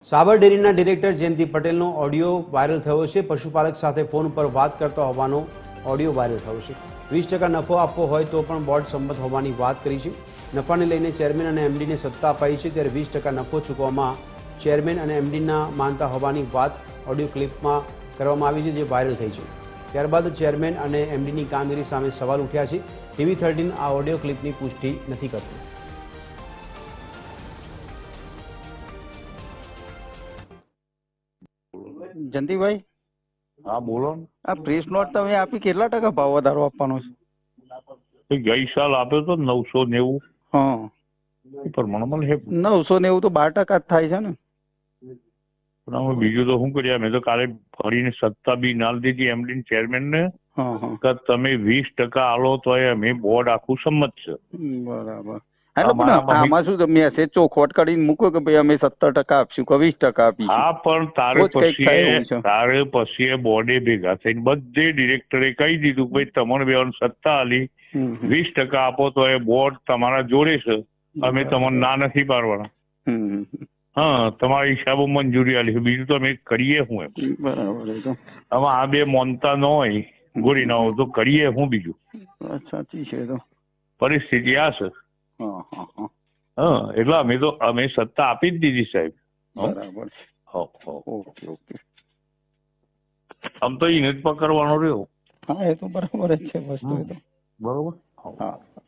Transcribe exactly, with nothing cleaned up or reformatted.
સાબર ડેરીના ડિરેક્ટર જયંતિ પટેલનો audio viral થયો છે. પશુપાલક સાથે ફોન પર વાત કરતા હોવાનો ઓડિયો વાયરલ થયો છે. વીસ ટકા નફો આપવો હોય તો પણ બોર્ડ સંમત હોવાની વાત કરી છે. નફાને લઈને ચેરમેન અને એમડીને સત્તા અપાઈ છે, ત્યારે વીસ ટકા નફો ચૂકવવામાં ચેરમેન અને એમડીના માનતા હોવાની વાત ઓડિયો ક્લિપમાં કરવામાં આવી છે, જે વાયરલ થઈ છે. ત્યારબાદ ચેરમેન અને એમડીની કામગીરી સામે સવાલ ઉઠ્યા છે. ટીવી થર્ટીન આ ઓડિયો ક્લિપની પુષ્ટિ નથી કરતું. જયંતિભાઈ, હા બોલો ને. આ પ્રેસ નોટ તમે આપી, કેટલા ટકા ભાવ વધારો આપવાનો છે? એ ગઈ સાલ આપ્યો તો નવસો નેવું હા, પ્રમાણમાં છે. નવસો નેવું તો બાર ટકા જ થાય છે ને. પણ અમે બીજું તો શું કર્યા, મેં તો કાલે ફરીને સત્તા બી ના દીધી એમડી ચેરમેન ને હા હા, કે તમે વીસ ટકા આલો તો અમે બોર્ડ આખું સંમત છે. બરાબર. એટલે પણ આમાં શું મેસેજ ચોખવટ કરીને મૂકો કે ભાઈ અમે સત્તર ટકા આપશું કે વીસ ટકા આપીશું? હા, પણ તારે રોજ કંઈક થાય એવું પછી છે. તારે પછી બોર્ડે ભેગા થઈને બધે ડિરેક્ટરે કહી દીધું ભાઈ તમારે બેવાની સત્તા આલી, હમ હમ. વીસ ટકા આપો તો એ બોર્ડ તમારા જોડે છે, અમે તમને ના નથી પાડવાના. હમ હમ. હા, તમારા હિસાબો મંજૂરી આલી છે, બીજું તો અમે કરીએ હું એમ. બરાબર એ તો હવે આ બે મોનતા ન હોય, ગોળી ના હોય તો કરીએ હું બીજું. વાત સાચી છે એ તો. પરિસ્થિતિ આ છે. હા હા હા, હા, એટલે અમે તો અમે સત્તા આપી જ દીધી સાહેબ. બરાબર. હો હો. Okay okay. આમ તો એને જ પકડવાનો રહ્યો. હા, એ તો બરાબર જ છે વસ્તુ એ તો. બરોબર. હા.